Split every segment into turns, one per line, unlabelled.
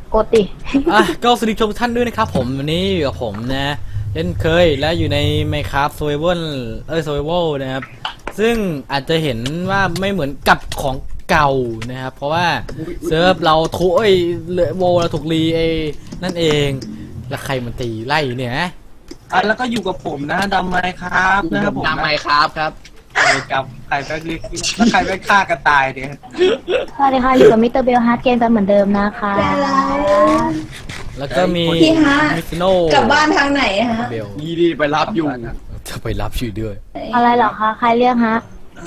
กดดิ
ก็สวัสดีทุกท่านด้วยนะครับผมวันนี้อยู่กับผมนะเช่นเคยและอยู่ใน Minecraft Survival นะครับซึ่งอาจจะเห็นว่าไม่เหมือนกับของเก่านะครับเพราะว่าเซิร์ฟเราถูกโวเราถูกรีนั่นเองแล้วใครมันตีไล่เนี่ยนะ
แล้วก็อยู่กับผมนะดำไมครับนะครับผม
ดำไมครับครับ
กับใครไปแล้วใครไปฆ่ากันตายเนี่ย
สวัสดีค่ะอยู่กับมิสเตอร์เบลฮาร์ดเกมกันเหมือนเดิมนะคะ
แล้วก็มี
พี่ฮะ
มิฟิโน
กลับบ้านทางไหนฮะ
เบล
ยี่ดีไปรับอยู่
จะไปรับชื่อด้วย
อะไรเหรอคะใครเรียกฮะ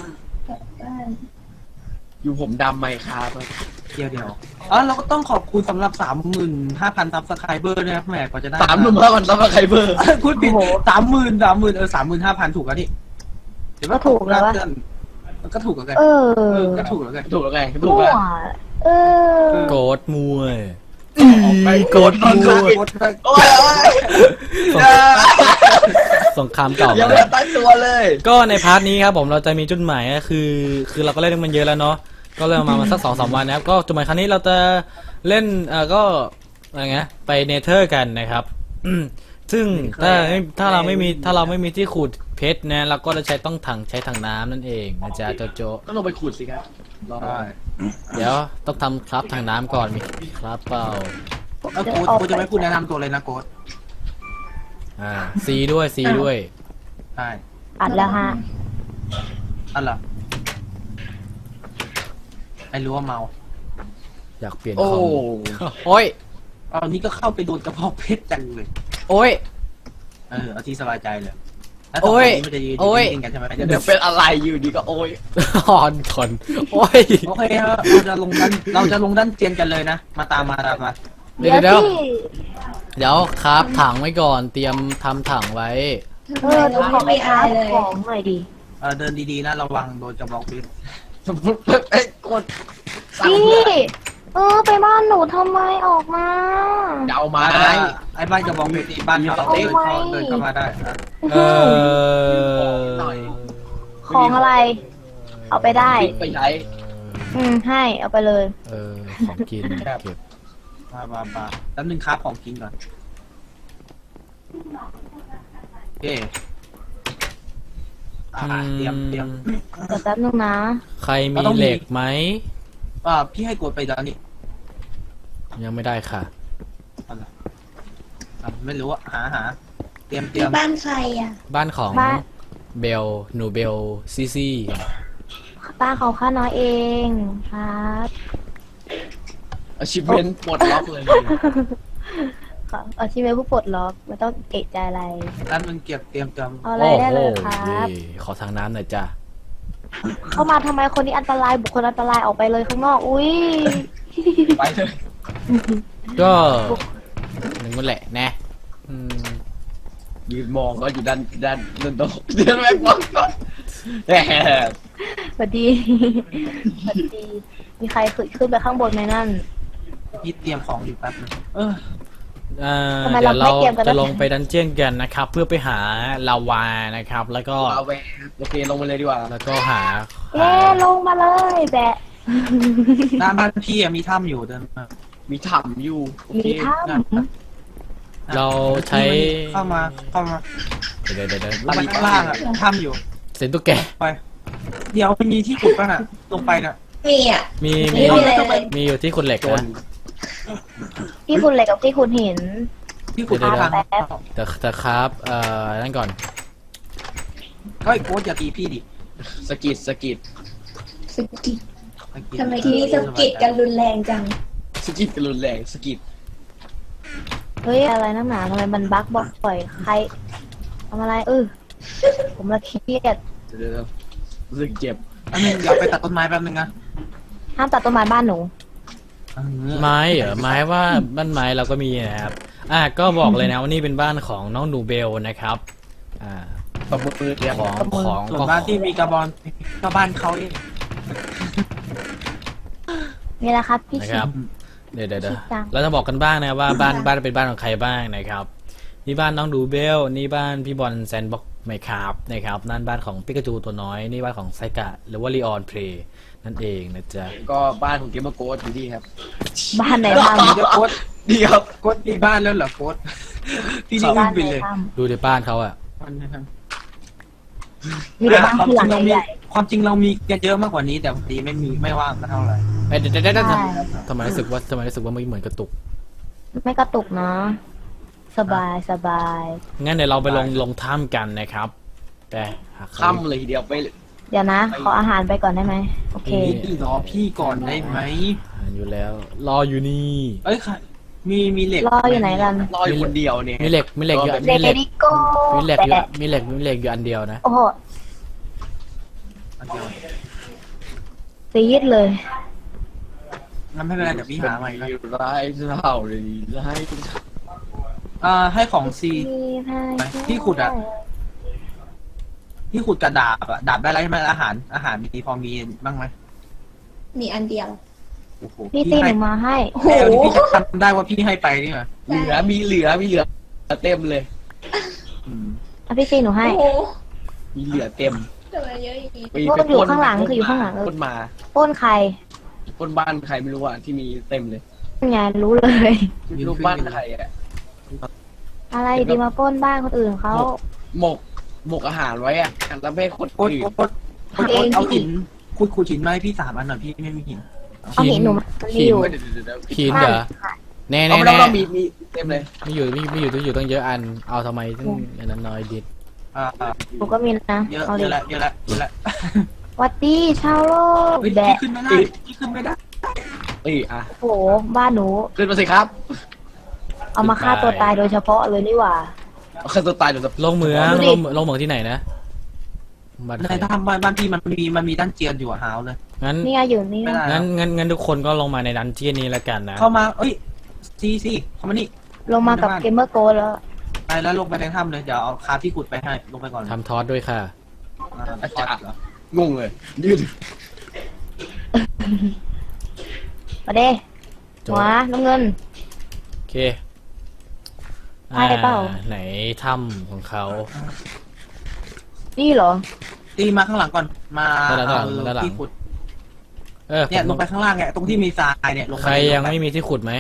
อยู่ผมดำไมครับ
เดี๋ยวเราก็ต้องขอบคุณสำหรับ 35,000 ซับสไครเบอร์นะครับแหมกว่าจะได้
35,000ซับสไครเบอร์
พูดผิด 35,000 ถูกแล้วนี่เดี๋ยว
ก็ถูกแล้ววะ
มันก็ถูกแล้วกัน ก็ถูกแล้วกัน
ถูกแล้วไงถู
มั่
ก
ว
แล้ว
เออ
โกดมวย
ไป
โกดมวย
โอ้ย
สงครามเก่า
ยัง
มา
ไม่
แล้ว
ตั้งตัวเลย
ก็ในพาร์ทนี้ครับผมเราจะมีจุดหมายก็คือเราก็เล่นมันเยอะแล้วเนาะก็เริ่มมาสัก2-3 วันนะครับก็จุดหมายครั้งนี้เราจะเล่นก็อะไรเงี้ยไปเนเธอร์กันนะครับซึ่งถ้าเราไม่มีที่ขุดเพชรนะเราก็จะต้องใช้ถังน้ำนั่นเองนะจ๊ะโจ
ก็ลงไปขุดสิครับรอ
ใช่
เดี๋ยวต้องทำครับถังน้ำก่อนมีครับเปล่า
โค้ดจะไม่พูดแนะนำตัวเลยนะโค้ด
ซีด้วย
ใช่
อัดแล้วฮะ
อะไรไม่รู้ว่าเมา
อยากเปลี่ยน
โอ้
คอมโอ้ย
เอานี่ก็เข้าไปโดนกระเพาะเพชรจังเลย
โอ้ย
เอาที่สบายใจเลยแล้ว
โอ้ย
มันจะยืน
โอ้ย
นิ่งๆกันใช่ไหม
เดี๋ยวเป็นอะไรอยู่ดีก็โอ้ย
ฮอนทนโอ้ย
โอเคครับเราจะลงด้านเจียนกันเลยนะมาตามมา
เดี๋ยว
ที่
เดี๋ยวครับถังไว้ก่อนเตรียมทำถังไว้
ดูของไอ้อาร์ตของหน่อยดิ
เดินดีๆนะระวังโดนกระบอกเพชร
สมมติไอ้กดสั่ง
พี่
เพื่อน
ไปบ้านหนูทำไมออกมา
เดาไม้
ไอ้บ้านกระบอกเพชรนี่บ้านเขา
เอาไว้
เดินเข้ามาได้นะ
เออ
ของอะไร เอาไปได้
ไปใช้
ให้เอาไปเลย
ของกินเก็บ
มาแล้วนึงครับของกินก่อนโอเคเตรียม
เดี๋ยวแป๊บนึงนะ
ใครมีเหล็กไหม
พี่ให้กดไปแล้วนี่
ยังไม่ได้ค่ะ
ไม่รู้อะหาเตรียม
บ้านใครอ่ะ
บ้านของ
บ้าน
เบลหนูเบลซี
ป้าของข้าน้อยเองครับ
อาชีพเป็นปลดล็อกเลย
เอาชีวิตผู้ปลดล็อกไม่ต้องเอะใจอะไร
ด้านมึงเก็บเตรียม
เอาอะไรได้เลยครับ
ขอทางน้ำหน่อยจ้ะ
เข้ามาทำไมคนนี้อันตรายบุคคลอันตรายออกไปเลยข้างนอก อุ้ย
ไปเลย
ก็หนึ่งมันแหละนะ
ยืนมองก็อยู่ด้านโต๊ะเดินแม่งมองก่อนแหม
สวัสดีสวัสดี มีใครขึ้นไปข้างบนไหมนั่น
พี่เตรียมของอยู่แป๊บนึง
ทำไม
เดี๋ยว
เรา
เรา
ไม่เตรียมกัน
จะลงไปดันเจียนกันนะครับ เพื่อไปหาลาวานะครับ แล้วก็
เอาไปโอเคลงไปเลยดีกว่า
แล้วก็หา
เย้ลงมาเลยแบะ
หน้าบ้านพี่มีถ้ำอยู่เดินมา
มีถ่ำอยู่โอเค
มีถ้
เราใช้
เข้ามา
เดี๋ยว
ลงไปข้างล่างอะถ้ำอยู่
เสียงตุ๊กแก
ไป เดี๋ยวมีที่ขุดป่ะน่ะลงไปน่ะ
มีอ่ะ
มี
ไม่มีอะไรเลย
มีอยู่ที่คุณเหล็ก
จน
นะ
ำที่คุณเหล็กกับที่คุณหิน
ที่ขุด
เดี๋ยว
ทาง
แป๊บ
แต่ครับนั่นก่อน
เฮ้ยโค้ดอย่าตีพี่ดิ
สกิด
สกิดทำไมที่นี่สกิดกันรุนแรงจัง
กันรุนแรงสกิด
เฮ้ยอะไรนักหนาทำไมมันบั๊กบอกปล่อยใครทำอะไรผมละเครียด
เดี๋ยวรู้สึกเจ็บ
อันนึงเดี๋ยวไปตัดต้นไม้แป๊บนึงนะ
ห้ามตัดต้นไม้บ้านหนู
ไม้เหรอไม้ว่าบ้านไม้เราก็มีนะครับก็บอกเลยนะว่านี่เป็นบ้านของน้องหนูเบลนะครับ
ตบมือเดี๋ยว
ของ
ส่วน
ก็
บ้านที่มีกระบอนก็บ้านเขาเอง
นี่แหละครับพี่
นะ
ชิ
ครับ
ม
เดี๋ยว
ชิจัง
เราจะบอกกันบ้างนะว่าบ้านเป็นบ้านของใครบ้างนะครับนี่บ้านน้องดูเบลนี่บ้านพี่บอลแซนบ็อกไมครับนะครับนั่นบ้านของปิกาจูตัวน้อยนี่บ้านของไซกะหรือว่าลีออนเพลย์นั่นเองนะจ๊ะ
ก็บ้านของเกมเมอร์โกดอยู่ที่ครับ
บ้านไหนบ้าน
เดี๋ยวโค้ด
เดี๋ยว
โค้ดมีบ้านแล้วเหรอโค้ดพี่นี่
บ้า
วิ่
น
งไป
ใน
เลย
ถ้
ดูในบ้านเขาอะ
มันนะครับ
ำมีแต่บ้านที่หลังใหญ่
ความจริงเรามีกันเยอะมากกว่านี้แต่พอดีไม่ว่างกันเท่าไหร่
เอ้ยเดี๋ยว
ๆใช่
ทำไมรู้สึกว่าไม่เหมือนกระตุก
ไม่กระตุกนะสบายสบาย
งั้นเดี๋ยวเราไปลงถ้ำกันนะครับ แต่หากใคร
ค่ำเลยทีเดียวไป
เดี๋ยวนะ ขออาหารไปก่อนได้ไหมโอเค
พี่รอพี่ก่อนได้ไหม
อ่านอยู่แล้ว รออยู่นี่
เอ้ยค่ะมีเหล็ก
รออยู่ไหนกัน
รออยู่คนเดียวเนี่ย
มีเหล็กอยู่
เด
มีเหล็ก
ดิโก้
มีเหล็กอยู่
แปะ
มีเหล็กอยู่อันเดียวนะ
โอ้โห
อันเดียว
ซีดเลย
งั้นไม่เป็นไรเดี๋ยวพี่หาใหม่ก็
ร้ายเท่าเลยร้าย
ให้ของซี พี่ขุดอะ พี่ขุดกระดาบอะดาบได้ไรใช่ไหมอาหารมีพอมีบ้างไหม
มีอันเดียว
โอ้โห
พี่ตีหนูมาให้
โอ้โห
เดี๋ยวนี้พี่จะจำได้ว่าพี่ให้ไปนี่เหรอ
มีเหลือเต็มเลย
อืม
เอาพี่ตีหนูให้
โอ้โห
มีเหลือเต็ม
ทำไมเยอะอย่างนี้
ไป
พวกอยู่ข้างหลังคืออยู่ข้างหลัง
คนมา
ปล้นใคร
คนบ้านใครไม่รู้อ่ะที่มีเต็มเลย
ไงรู้เลย
รูปบ้านใครอ่ะ
อะไรดีมาปล้นบ้านคนอื่นเขา
หมกอาหารไว้อ่ะแล้วไม่ให้คน
โอ๊ต
อื่น
โอ๊ตโอ๊ตโอ๊ตเอาหินขุดหินมาให้พี่3 อันหน่อยพี่ไม่มีหิน
เอาหินหนูมันมีอยู่
เดี๋ยว
หินเหรอแน่
เอาไม่ต้องมีเต็มเลย
ไม่อยู่ตั้งเยอะอัน เอาทำไมตั้งอันนั้นน้อยดิด
หนูก็มีนะ
เยอะ
เอา
เย
ดิ
อะละเยอะละเยอะละ
วัดดีชาวโลก
เฮ้ย
แบะ
พี่ขึ้นไม่ได้พี่ขึ้นไม่ได้
อ่ะ
โอ้โหบ้านหนู
ขึ้นมาสิครับ
เอามาฆ่าตัวตายโดยเฉพาะเลยนี่หว่า
เอาขึ้นตัวตายเดี๋ยวจะ
ลงเหมือง
ดูดิ
ลงเหมืองที่ไหนนะบ้านใค
ใน
ร
ถ้ำบ้านพี่มันมีด้านเจียนอยู่อะหาวเลย
งั้น
นี่ไงอยู่นี่
ไม่ได้
งั้นทุกคนก็ลงมาในดันเจียนนี้แล้วกันนะ
เข้ามาเอ้ยซีเข้ามานี่
ลงมากับเกมเมอร์โกแล้ว
ไปแล้วลงไปในถ้ำเลยเดี๋ยวเอาคาที่ขุดไปให้ลงไปก่อน
ทำทอสด้วยค่ะ
อาจารย์
เหรอง
งเลยยืด
มาเด้
จ
หัวน้ำเงิน
โอเค
ได้เปล่า
ไหนถ้ำของเขา
นี่เหรอ
ตีมาข้างหลังก่อนมา
ด้านหลัง
เอา
ด้านหลัง
ที่ขุด
เออ
เนี่ยลงไปข้างล่างเนี่ยตรงที่มีทรายเนี่ยลงไป
ใครยังไม่มีที่ขุดไหม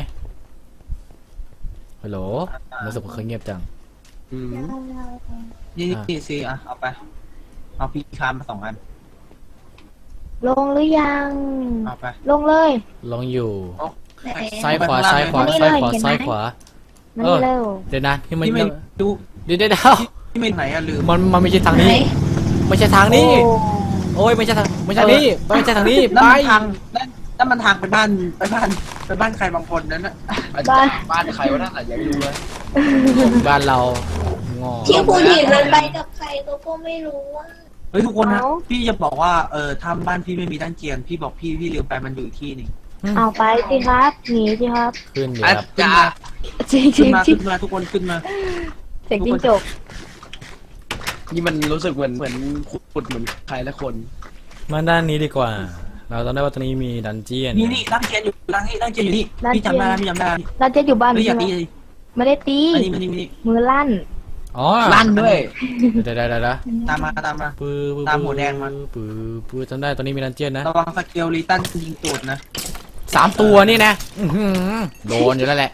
ฮัลโหลรู้สึกว่าเขาเงียบจัง
อืม
นี่ซีอ่ะเอาไปเอาพี่คามมา2 อัน
ลงหรือยัง
เอาไป
ลงเลย
ลองอยู่
ไหน
ซ้ายขวา
ไปข้างล่าง
ซ้ายขวา
นี่
ซ้าย
เลย
ขวา
เห็นไหม
ซ้ายขวา
มัน
เออ
เร็ว
เดี๋ยวนะที่มัน
ที่ไม่ดู
เดี๋ยว
ที่ไม่ไหนอะลืม
มันไม่ใช่ทาง
ไหน
นี้ ไม่ใช่ทางนี้
โอ้
โอ้ยไม่ใช่ทางไม่ใช่นี้ไม่ใช่ทางนี้
นั่
ไป
นมันทางนั่นมันทางไปบ้านใครบางคนนั่นน่ะ
บ้านใครวะนั่นอ่ะยังไม่รู้เลย
บ้านเรางอ
ที่คุณหินมันไปกับใครก็ไม่รู้ว่า
เฮ้ยทุกคนนะพี่จะบอกว่าทำบ้านพี่ไม่มีด้านเจียนพี่บอกพี่ลืมไปมันอยู่อีกที่หนึง
เอาไปสิครับหนีสิครับ
ขึ้นเดี๋ยว
อา
ครับ
จารย์
จริงจ
ขึ้
ริ
น
ง
มา
จริ
ขึ้
ง
นมาทุกคนขึ้นมา
เสียงจิ้งจก
นี่มันรู้สึกเหมือนขุดเหมือนใครละคน
มาด้านนี้ดีกว่า เราต้องได้ว่าตรงนี้มีดันเจียน
นี่ด้านเจียนอยู่ด้านเจียนอยู่นี่พี่จำได้พี่จำได้
เราจะอยู่บ้าน
เฮ้ยอย่า
ใช่ไหม
ตี
ไม่ได้ตี
อันนี้มันนี่
มือลั่น
อ๋อ
ลั่นด้วย
เดี๋ยว
ตามมา
ปื้อ
ตามหัวแดงมา
ปื้อจำได้ตอนนี้มีดันเจียนนะ
ระวังสเกลลิตันยิงตูดนะ
3 ตัวนี่นะอื้อหือโดนอยู่แล้วแหละ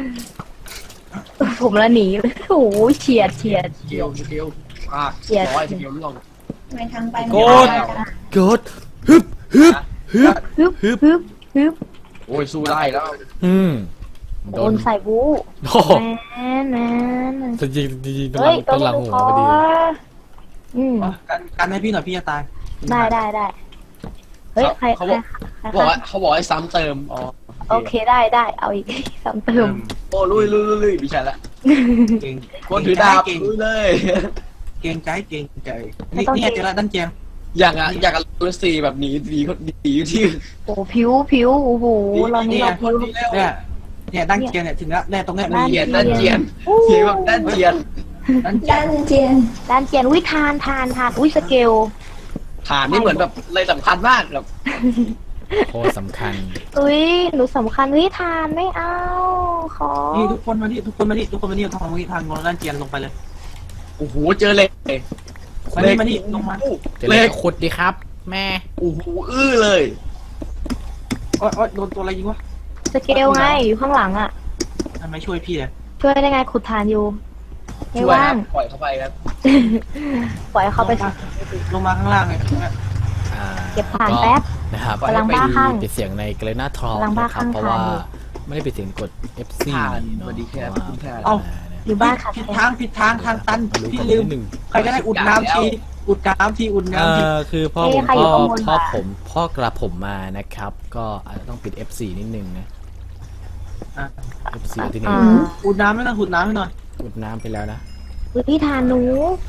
ผมละหนีเลยโอ้โหเฉียด
เกลียวอ่ะ
เฉียด
ร้อยเกลียวล่วง
ทำไมทางไปมัน
โกด
ได้
เกิดฮึบ
ฮึบฮึบ
โอ้ยสู้ได้แล้ว
โดนใส่บู๊
โอ้โห
แมน
จริงๆ
เฮ้ย
ต้นหลังหัวพอดี
อืม
กันให้พี่หน่อยพี่จะตาย
ได้เฮ้ยใคร
เขาบอกให้ซ้ำเติมอ๋อ
โอเคได้เอาอีกซ้ำเติม
โอ้ลุยดิฉันละ
เก่ง
คนถือดาบลุยเลย
เก่งใจนี่เจอแล้วด้านเจียน
อย่างกับลูซี่แบบหนีคนหนีอยู่ที่
โอ้ผิวโอ้โหเรานี่เราผิว
เนี่ยด้านเจียนเนี่ยถึงแล้วแน่ตรงเนี้ย
เจียนด้านเจียนเสียงแบบด้านเจียน
ด้านเจีย
ด้าน นเจียน
ด้านเจียนวิทานอุ้ยสเกล
ฐานนี่เหมือนแบบเลยสำคัญมากแบบ
โคตรสำคัญ
อุ้ยหนูสำคัญวิทานไม่เอาขอ
นี่ทุกคนมานี่ทางลงด้านเจียนลงไปเลย
โอ้โหเจอเหล็ก
มานี่ลงมา
จะเล็กขุดดีครับ แม่
โอ้โหเลย
โอ๊ยโดนตัวอะไรยิงวะ
สเกลไงอยู่ข้างหลังอ่ะ
ทำไมช่วยพี่เลย
ช่วยได้ไงขุดฐานอยู่ไม่
ช่วยค
ว่า
รั
ง
บปล่อยเข้าไปครับ
ปล่อยเขาไป
ลงมาข้างล่างเลย
อ่า
เก็บฐานแป๊บ
นะครับ
กำลังบ้าคลั่ง
ปิดเสียงในเกรนาทอล
กำลังบ้า
นะค
คลั่
รับ
ง
เพราะว่า
ทานอยู่
ไม่ได้ปิดเสียงกด F4
ทาน
เนาะ
สวัสดีครับ
เพราะ
คุณทาน
ว่า
อยู่บ้านขัด
ผิด
แคล
ทางผิดทางทางตัน
รู้
พี่
กัน
ลืม
นิดนึง
ใครก็ได้อุดน้ำทีอุดน้ำทีอุดน้ำที
คือพ่อกระผมมานะครับ ก็อาจจะต้องปิด F4 นิดนึงนะ
อ่ะ
F4 ที่นี่
อ่า
อุดน้ำไม่ต้องอุดน้ำให้หน่อย
อุดน้ำไปแล้วนะ
พี่ฐานหนู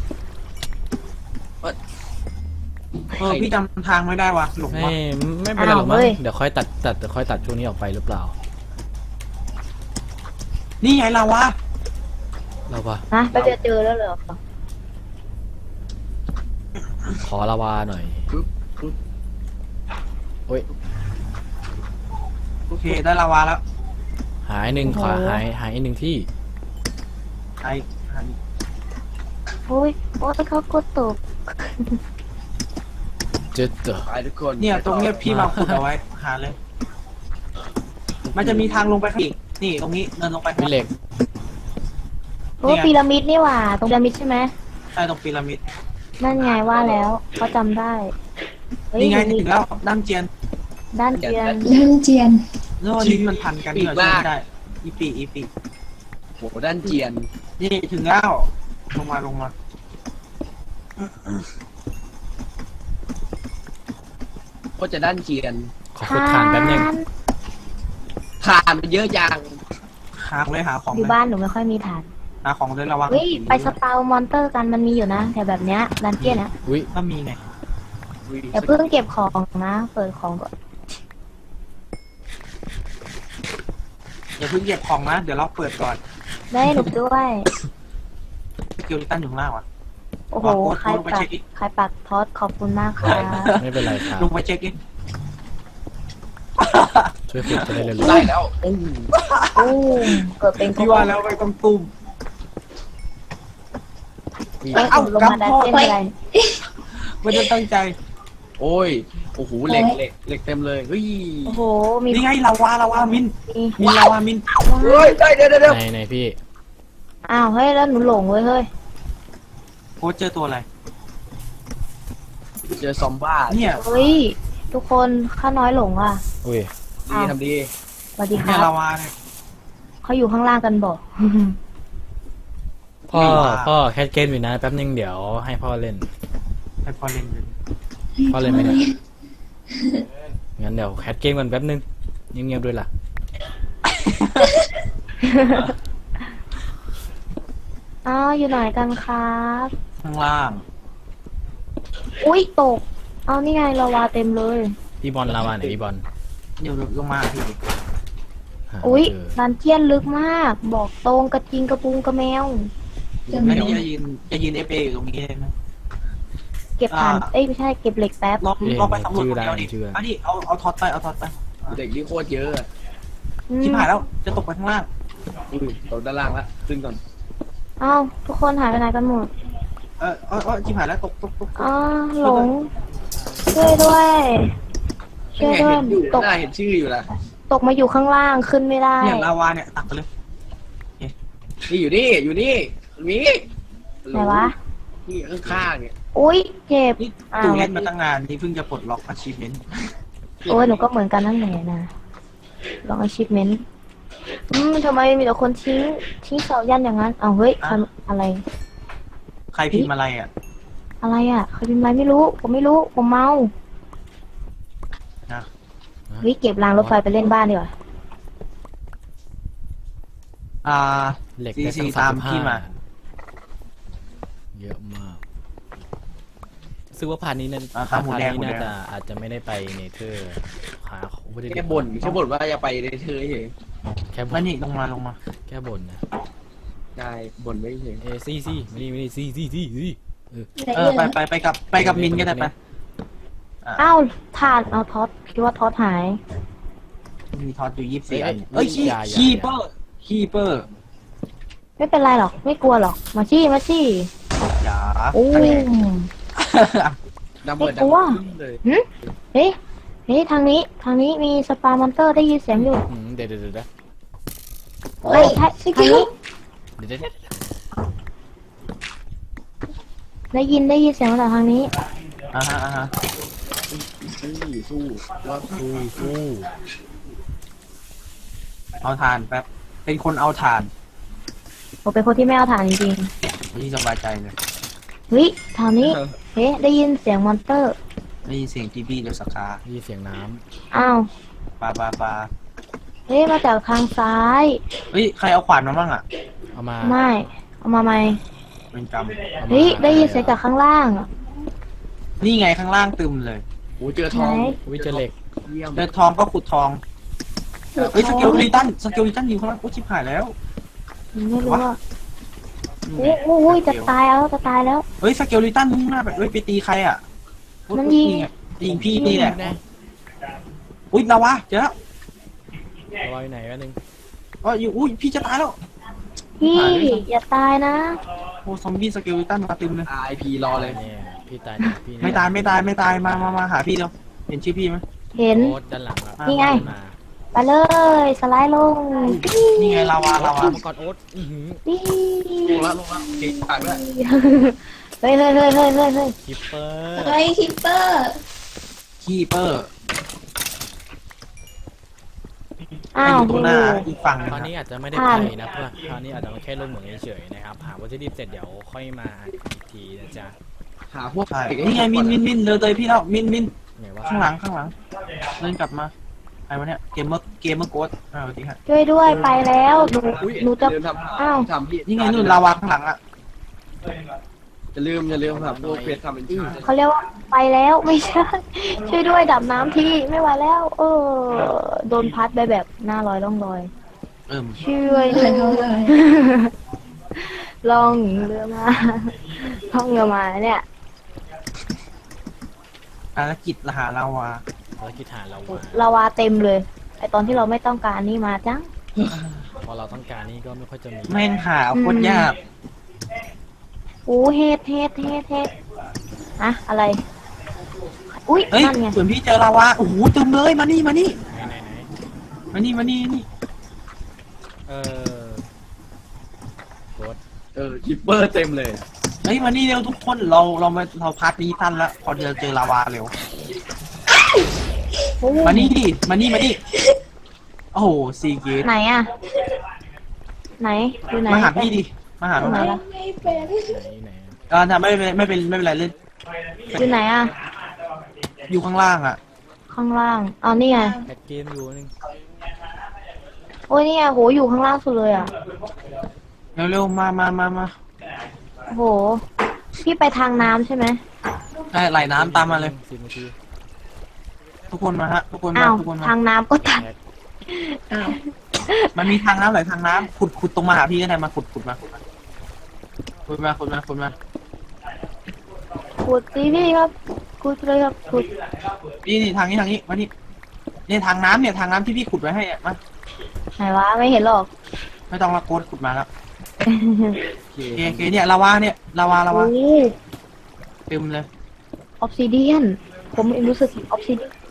พี่จำทางไม่ได้ว่ะหลง
ไม่
ว่ะ
ไม่เป็นไรหรอกมั้ง
อ้าวเฮ้ย
เดี๋ยวค่อยตัดช่วงนี้ออกไปหรือเปล่า
นี่ไงเราวะ
เราว่า
นะไปเจอแล้วเหรอ
ขอลาวาหน่อย
ปึ๊บปึ๊บ
โอ้ย
โอเคได้ลาวาแล้ว
หายหนึ่งขอหายหนึ่งที่
ไอ้อันนี้
โอ้ยโอ้ยเขากดตก
เจอเจอ
ไปทุกคน
เนี่ยตรงเนี้ยพี่มาขุดเอาไว้หาเลย มันจะมีทางลงไปข้างอีกนี่ตรงนี้เดินลงไป
มีเหล็ก
โอ้พีระมิดนี่หว่า ตรงพีระมิดใช่ไหม
ใช่ตรงพีระมิด
นั่นไงว่าแล้วเขาจำได้เฮ้ย
นี่ไง
มี
ถึงแล้วด้านเจียน
ด้านเจียน
เริ่มเจียน
แล้วลิ้นมันพันกันเนี่ยช่วยไม่ได้อีปี
โหด้านเจียน
นี่ถึงแล้วลงมา
ก็จะด้านเจียน
ขอขุดฐานแป๊บนึง
ทานมันเยอะจัง
หาเลยหาของ
อยู่
เลย
บ้านหนูไม่ค่อยมีฐาน
หาของเลยระวัง
เฮ้ยไปสปาวมอนเตอร์กันมันมีอยู่นะแต่แบบเนี้ยดันเจียนนะ
อุ้ย
ก็มีไง
อย่าเพิ่งเก็บของนะ เปิดของก่อน
อย่าเพิ่งเก็บของนะเดี๋ยวเราเปิดก่อน
ได้หนูด้วย
สกิลลิตันอยู่ข้างล่างว่ะ
โอ้โห ใครปักทอดขอบคุณมากค่ะ
ไม่เป็นไรครับ
ลงไปเช็คดิ
ช่วยขุดจะได้เร็ว
ได้แล้วอู้
โอ้เกิดเป็น
พี่ว่าแล้วไปต้องตุ้ม
เอ้ย
เอ้า
ลงมาดันเจียนอะไร
ไม่ได้ตั้งใจ
โอ้ยโอ้โหเหล็กเต็มเลยเฮ้ย
โอ้โห มี
นี่ไงลาวามิน
มี
ลาวามิน
เฮ้ยได้เดี๋ยว
ๆในพี่
อ้าว เฮ้ย แล้วหนูหลงเว้ยเฮ้ย
โค้ชเจอตัวอะไร
เจอซอมบ้า
เนี่ย
เฮ้ย ทุกคนข้าน้อยหลงอ่ะ
อุ้ย
ดีทำดี
สวัสดีค
เนี่
รั
ย
บ
ลาวาเนี่ย
เขาอยู่ข้างล่างกันบอก
พ่อแคทเกมอยู่นะแป๊บนึงเดี๋ยวให้พ่อเล่น
ให้พอเล่นเลย
พ่อเล่นไหมเนี่ยงั้นเดี๋ยวแคทเกมกันแป๊บนึงเงียบๆด้วยล่ะ
อ้าวอยู่ไหนกันครับ
ข้างล่าง
อุ้ยตก เอานี่ไงลาวาเต็มเลย
พี่บอลลาวาไหนพี่บอล
เดี๋ยวลงมาพี่
หา
อุ้ย
เจอ
ดันเจียนลึกมาก บอกตรงกระทิงกระปุงกระแมว
จะ
ไม่
มี
ได้จะยืนเอฟเออยู่ตรงนี้ได้ไหม
เก็บฐาน เอ้ยไม่ใช่เก็บเหล็กแป๊บ
ลองไปสำรวจคนเดียวดิเอาดิเอาท็อตไปเอาท็อตไป
เด็กที่โคตรเยอะ
อืม
ชิบหายแล้วจะตกไปข้างล่าง
อุ้ยตกด้านล่างละขึ้นก่อน
เอ้าทุกคนหายไปไหนกันหมด
ชิบหายแล้วตก
อ้าหลง ช่วยด้วย ช่วยด้วย
เห็นอยู่
ตก
น่าเห็นชื่ออยู่ละ
ตกมาอยู่ข้างล่างขึ้นไม่ได้
เนี่ยลาวาเนี่ยตักไปเลย
นี่อยู่นี่อยู่นี่มี
ไหนวะ
นี่ข้างๆเนี่ย
อุ้ยเจ็บ
นี่
อ้าว
ตูเล่นมาตั้งนานนี่เพิ่งจะปลดล็อก achievement
โอ้ยหนูก็เหมือนกันนั่นแหละนะลอง achievement ทำไมมีแต่คนทิ้งเสายันอย่างนั้นอ้าวเฮ้ยอะไร
ใครพิมพ์อะไรอ่ะ
อะไรอ่ะใครเป็นไรไม่รู้ ผมไม่รู้ ผมเมา
นะ
เฮ้ยเก็บรางรถไฟไปเล่นบ้านดีกว่า
เหล็ก
ซี
ได้
ซี
ตั้ง
ตามพี่มา
เยอะมากซึ่งว่าพาร์ทนี้นั่น
ข้าวหมูแดง
น่าจะอาจจะไม่ได้ไปเนเธอร์หาไม่ได้
แค่บ่นว่าจะไปในเธอเฉย
แค่บ่
แล้ว
น
นี่ลงมา
แค่บ่นนะ
ได้บ่นไม่เฉย
ซี่ไม่ได้ซี่
ไปกับมินก็ได้ไป
อ้าวถาดเอาท็อตคิดว่าท็อตหาย
มีท็อตอยู่24อันเอ้ยคีเปอร์
ไม่เป็นไรหรอก ไม่กลัวหรอก มาชี้
อย่า
โอ้ย
ดับเบิล
ไม่กลัว
เลย
เฮ้ยทางนี้มีสปามอนเตอร์ได้ยินเสียงอยู่
เดี๋ยว
เฮ้ยใช่
ส
ทาง
กิล
นี้
เดี๋ยว
ได้ยินเสียงมาจากทางนี้
อ่าฮะ
สู้ว่า
สู้
เอาถ่านแป๊บเป็นคนเอาถ่าน
ผมเป็นคนที่ไม่เอาฐานจริง
ที่สบายใจเลย
ๆเฮ้ยทางนี้เฮ้ได้ยินเสียงมอนเตอร์
ได้ยินเสียงทีบี้เดี๋ยวสกา
ได้ยินเสียงน้
อ้าว
ปลา
เฮ้ยมาจากทางซ้าย
เฮ้ยใครเอาขวานมาบ้างอ่ะ
ำเอามา
ไม่เอามาไหม
เป็นกรรม
อามา
เฮ้ยได้ยินเสียงจากข้างล่างอะ
นี่ไงข้างล่างตึมเลย
โอ้เจอทอง
วิเจอเหล็ก
เยี่ยม
เจอทองก็ขุดทองเฮ้ยสเกลลิตันอยู่ข้างล่างโอ้ชิบหายแล้ว
ไม่รู้ว่าโอ้ยจะตายแล้วจะตายแล้ว
เฮ้ยสเกลลิตันมุ่งหน้าไปเฮ้ยไปตีใครอ่ะ
มันยิง
ไยิงพี่นี่แหละ
แน่
อุ้ยนาวะเจอแล้ว
เอาไว้ไหนวะนึง
อยู่อุ้ยพี่จะตายแล้ว
พี่อย่าตายนะ
โอ้ซอมบี้สเกลลิตันมาตึมเลย
RIP รอเลย
เนี่ยพี่ตายพี่
ไม่ตายมาหาพี่เร็วเห็นชื่อพี่ไหม
เห็น
โอ๊ตด้านหลังอะ
นี่ไง
มา
ไปเลยสไลด์ลง
นี่ไงลาวา
โอ๊ตขึ้นมาก่อนโอ๊ตอื้อหือ
นี่
ลงแล้วโอเคฝากด้วย
เฮ้ย
คิปเปอร์
เฮ้ยคิปเปอร์
คีเปอร์
อ้าว
อยู่ตรงหน้าอีกฝั่งหนึ
ต
ง
อน
อะ
นี้อาจจะไม่ได้
ผ่า
ไป
น
นะเพื่อนคราวนี้อาจจะแค่ลงเหมืองเฉยๆนะครับหาวัตถุดิบเสร็จเดี๋ยวค่อยมาอัดอีกทีนะจ๊ะ
หาพวก
ใช่นี่ไงมินเลยพี่แล้วมิน
ไหนว่า
ข้างหลังเดินกลับมาใครวะเนี่ยเกมเมอร์โกดสวัสดีครับ
ช่วยด้วยไปแล้ว
อุ้ย
หนูจะ
เดิน
อ้าว
ทำพี่
นี่ไงนู่นลาวาข้างหลังอ่ะ
อย่าลืมครับพวกเพชรทำเป็นชา
เขาเรียกว่าไปแล้วไม่ใช่ ช่วยด้วยดับน้ำทีไม่ไหวแล้ว โดนพัดไปแบบหน้าลอยล่องลอย ช่วย
เล
ด้วย
ยเขาเลย
ล่องเรือมาล่องเรือมาเนี่ย
ภารกิจหาลาวา
ภารกิจหาเรามา
ลาวาเต็มเลยไอตอนที่เราไม่ต้องการนี่มาจัง
พอเราต้องการนี่ก็ไม่ค่อยจะมี
แม่งหาโคตรยาก
โอ้เฮ็ดอะอะไร อุ้ย
เฮ้ย
นั่นไง
ส่วนพี่เจอลาวาโอ้โหตึมเลยมานี่
ไหน
มานี่
เออโคตร
คิปเปอร์เต็มเลย
เฮ้ยมานี่เร็วทุกคนเราพาร์ทนี้ทันแล้วพอเจอลาวาเร็ว
โอ้
มานี่ดิมานี่โอ้โหซีเกต
ไหนอะไหนอยู่ไหน
มาหาพี่ดิมาหา
อยู่ไหน
พี่
ล่ะ
ไม่เป็น
ไหน
ทำไม่เป็นไรเล่น
อยู่ไหนอะ
อยู่ข้างล่างอ่ะ
ข้างล่างเอานี่ไง
แพ็กเกมอยู่นึง
โอ้ยนี่ไงโหอยู่ข้างล่างสุดเลยอะ
เร็วมา
โหพี่ไปทางน้ำใช่ไหม
ได้ไหลน้ำตามมาเลย
10 นาที
ทุกคนมาฮะทุกคนมา
อ้าว
ทุกคนมา
ทางน้ำก็ตัด
อ้าว
มันมีทางน้ำหลายทางน้ำขุดตรงมาหาพี่ก็ได้มาขุดมาขุดมา
ขุดสิพี่ครับขุดเลยครับขุด
นี่ทางนี้มานี่ทางน้ำที่พี่ขุดไว้ให้อะมา
ไหนวะไม่เห็นหรอก
ไม่ต้องละโกดขุดมาแล้วโอเคเนี่ยลาวาลาวา
โอ้
เต็มเลย
ออฟซิเดียนผมเองรู้สึกออฟซิเดียน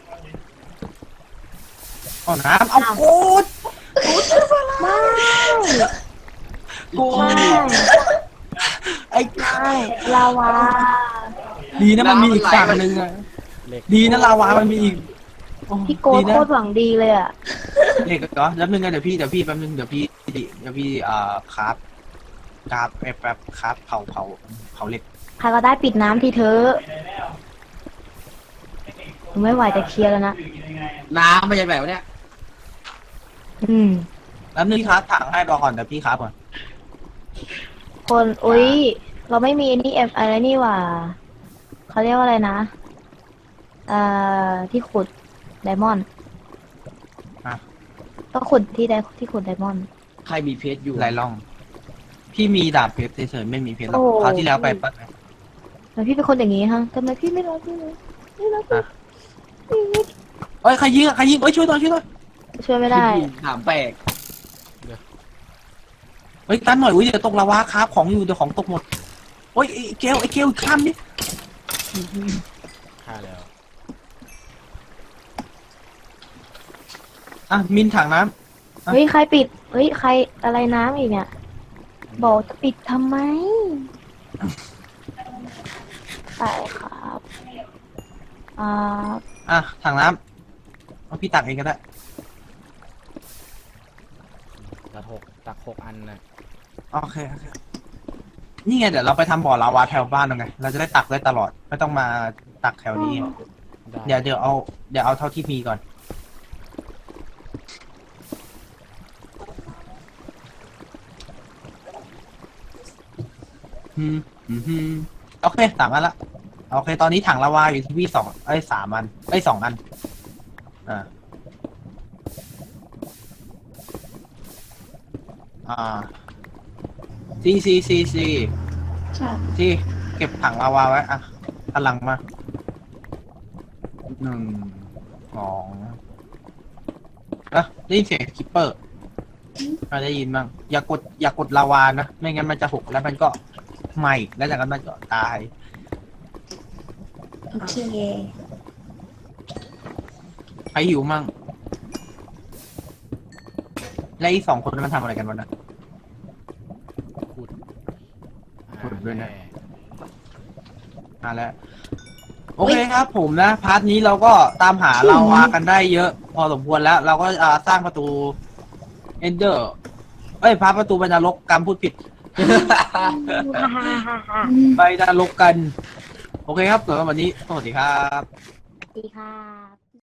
เอาน้ำเอาโกด
ไม่
โก
ไม่
ดไอ้
ไม่ลาวา
ดีนะมันมีอีกฝั่งหนึ่งอะ
เหล็ก
ดีนะลาวามันมีอีกโอ้
พี่โกด
ดีนะ
โคตรหวังดีเลยอะ
เหล็กเหรอแล้วนึงไงเดี๋ยวพี่แป๊บนึงเดี๋ยวพี่ครับแบบครับเผาเหล็ก
ใครก็ได้ปิดน้ำทีเธอะผมไม่ไหวจะเคลียร์แล้วนะ
น้ำไม่ใช่แบบเนี้ย
อืม
แล้วนึงครับถังให้รอก่อนเดี๋ยวพี่ครับก่อน
คนอุ้ยเราไม่มีนี่อะไรนี่หว่าเขาเรียกว่าอะไรนะที่ขุดไดมอนด์
อ่ะ
ก็ขุดที่ขุดไดมอนด์
ใครมีเพชรอยู่
ไหลล่อง พี่มีดาบเพชรเฉยๆไม่มีเพชรหรอก
โอ้
คราวที่แล้วไปปะ
ทำไมพี่เป็นคนอย่างนี้ฮะทำไมพี่ไม่รักพี่เลยไม่รักพี่
เอ้ยใครยิงเอ้ยช่วยหน่อย
ช่วยไม่ได้
ถามแปลก
เฮ้ยตันหน่อยอุ้ยเดี๋ยวตกลาวาครับของอยู่เดี๋ยวของตกหมดโอ้ยไอ้เกลข้ามดิ
ฆ่าแล้ว
อ่ะมินถังน้
เฮ้ยใครปิดเฮ้ยใครอะไรน้ำอีกเนี่ยบอกจะปิดทำไมไปครับอ่า
อ่ะถังน้ำเอาพี่ตักเองก็ได้
ตักหกอันนะ
โอเคโอเคนี่ไงเดี๋ยวเราไปทำบ่อลาวาแถวบ้านเราไงเราจะได้ตักได้ตลอดไม่ต้องมาตักแถวนี้
ได้
เดี๋ยวเอาเท่าที่มีก่อนโอเค3 อันละโอเค ตอนนี้ถังลาวาอยู่ที่พี่3 อัน2 อันอ่าซี
ค่ะ
ที่เก็บถังลาวาไว้อ่ะพลังมา1 2ได้ยินเสียงคิปเปอร์ได้ยินบ้างอย่ากดลาวานะไม่งั้นมันจะหกแล้วมันก็ไหม้แล้วจากนั้นมันก็ตาย
โอเค
ใครหิวมั่งและอีก2 คนมันทำอะไรกันวะนะ
ขุด
ขุดด้วยนะ มาแล้วโอเคครับผมนะพาร์ทนี้เราก็ตามหาลาวากันได้เยอะ พอสมควรแล้ว เราก็สร้างประตูเอนเดอร์พาประตูไปนรกกรรมพูดผิด ไปนรกกัน โอเคครับสำหรับวันนี้สวัสดีครับ
ดีค่ะ